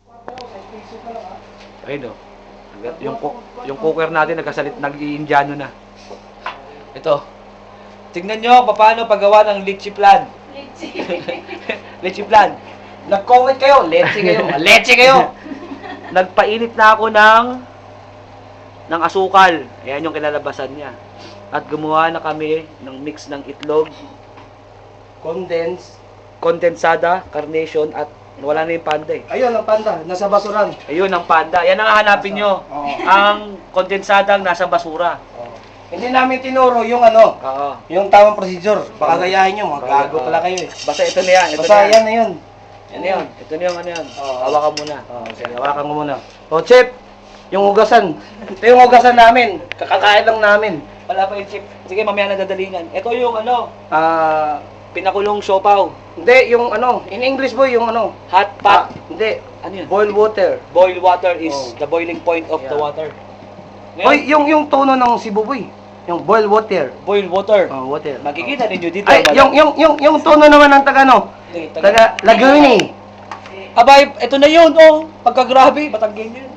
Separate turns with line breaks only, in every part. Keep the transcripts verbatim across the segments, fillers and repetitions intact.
Ayun o. Yung, cook- yung cooker natin nagkasalit, nag-i-indiano na. Ito. Tingnan nyo paano paggawa ng leche plan.
Litsi.
Leche plan. Nag-comment kayo, leche kayo, leche kayo. Nagpainit na ako ng ng asukal. Ayan yung kinalabasan niya. At gumawa na kami ng mix ng itlog,
Condense.
kondensada, carnation, at wala na yung panda eh.
Ayun, ang panda. Nasa basuran.
Ayun ang panda. Yan ang hahanapin nyo.
Oo.
Ang kondensadang nasa basura.
Oh. Hindi namin tinuro yung ano,
Oo.
yung tamang procedure. Baka gayahin nyo, mga gago pala kayo eh.
Basta ito na yan. Ito
Basta
na yan.
yan na yun.
Yan na yun. Ito na yung ano yan.
Oo.
Hawakan muna.
Oh, sige, hawakan mo muna. O, Chip, yung hugasan. Ito yung hugasan namin. Kakakain lang namin.
Wala pa yung chip. Sige, mamaya na dadalingan. Ito yung ano,
Ah,
pinakulong siopaw.
hindi, yung ano, in English boy, yung ano.
Hot
Ah,
pot.
hindi,
Ano yun?
boil water.
Boil water is
Oh.
the boiling point of the
Yeah.
water.
Boy, yung yung tono ng Cebu boy. Yung boil water.
boil water.
Oh, water.
Makikita ninyo dito.
Ay,
wala-
yung yung yung yung tono naman ng taga ano?
Hindi, taga-
Taga Laguna.
Abay, ito na yun, oh. Pagkagrabe, Batanggin yun.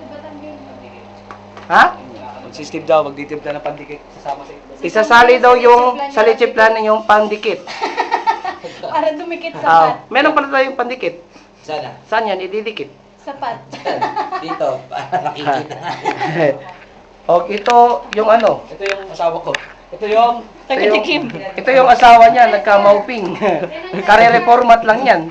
Ha?
Magsistib daw, magditimpla ng pandikit. Sasama sa ito.
Isasali daw yung sa leche plan yung pandikit.
Para dumikit sa
Ah,
pat.
meron pala tayong pandikit.
Sana.
Saan yan? Ididikit.
Sa pat.
Dito, para makikita nga.
O, ito yung ano.
Ito yung asawa ko. Ito yung...
Ito yung,
Taga-tikim.
ito yung asawa niya, nagka-mauping. Kare-reformat lang yan.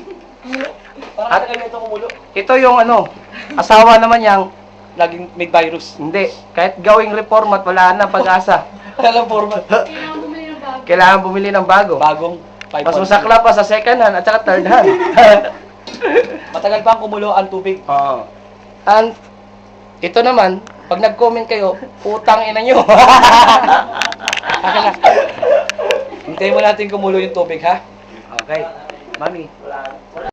Parang
At-
tagal ito kumulo.
Ito yung ano, asawa naman niyang,
Laging may virus.
hindi, kahit gawing reformat, wala na pag-asa.
Alam format.
Kailangan bumili ng bago.
Kailangan bumili ng bago.
Bagong five
Mas
pounds.
masakla pa sa second hand at saka third hand.
Matagal pa ang kumulo ang tubig.
Oo. And, ito naman, pag nag-comment kayo, putang ina nyo.
Akin na. Hintayin mo natin kumulo yung tubig, ha? Okay. Mami.